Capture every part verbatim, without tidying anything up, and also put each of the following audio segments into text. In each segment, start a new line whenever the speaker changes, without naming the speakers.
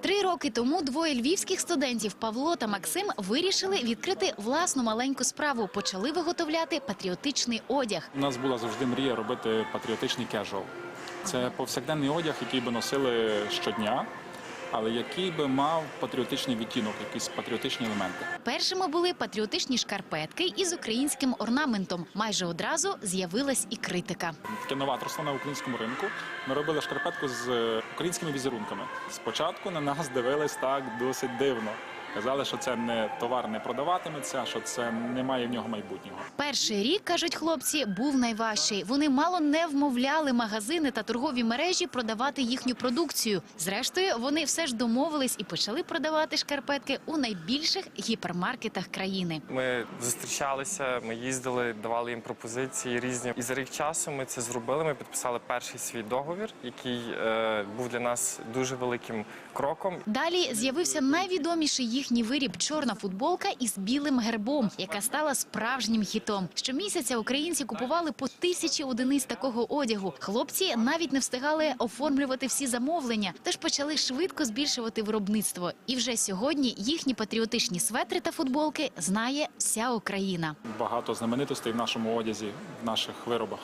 Три роки тому двоє львівських студентів Павло та Максим вирішили відкрити власну маленьку справу. Почали виготовляти патріотичний одяг.
У нас була завжди мрія робити патріотичний кежуал. Це повсякденний одяг, який би носили щодня, але який би мав патріотичний відтінок, якісь патріотичні елементи.
Першими були патріотичні шкарпетки із українським орнаментом. Майже одразу з'явилась і критика.
Таке новаторство на українському ринку. Ми робили шкарпетку з українськими візерунками. Спочатку на нас дивились так досить дивно. Казали, що це не товар не продаватиметься, що це немає в нього майбутнього.
Перший рік, кажуть хлопці, був найважчий. Вони мало не вмовляли магазини та торгові мережі продавати їхню продукцію. Зрештою, вони все ж домовились і почали продавати шкарпетки у найбільших гіпермаркетах країни.
Ми зустрічалися, ми їздили, давали їм пропозиції різні. І за рік часу ми це зробили, ми підписали перший свій договір, який е, був для нас дуже великим кроком.
Далі з'явився найвідоміший їхній виріб – чорна футболка із білим гербом, яка стала справжнім хітом. Щомісяця українці купували по тисячі одиниць такого одягу. Хлопці навіть не встигали оформлювати всі замовлення, тож почали швидко збільшувати виробництво. І вже сьогодні їхні патріотичні светри та футболки знає вся Україна.
Багато знаменитостей в нашому одязі, в наших виробах.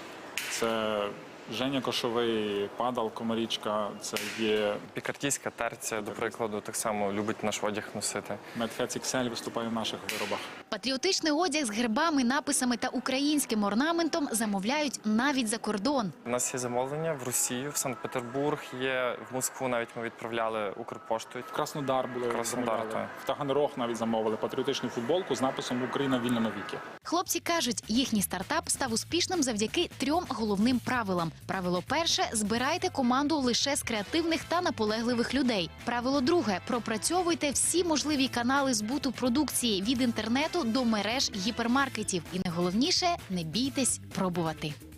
Це Женя Кошовий, Падал Комарічка, це є...
Пікардійська терця, до прикладу, так само любить наш одяг носити.
Медхец ікс ель виступає в наших виробах.
Патріотичний одяг з гербами, написами та українським орнаментом замовляють навіть за кордон.
У нас є замовлення в Росію, в Санкт-Петербург, є в Москву навіть ми відправляли Укрпоштою.
В Краснодар були
Краснодар,
замовляли.
так.
В Таганрог навіть замовили патріотичну футболку з написом «Україна вільна навіки».
Хлопці кажуть, їхній стартап став успішним завдяки трьом головним правилам. Правило перше – збирайте команду лише з креативних та наполегливих людей. Правило друге – пропрацьовуйте всі можливі канали збуту продукції від інтернету до мереж гіпермаркетів. І найголовніше – не бійтесь пробувати.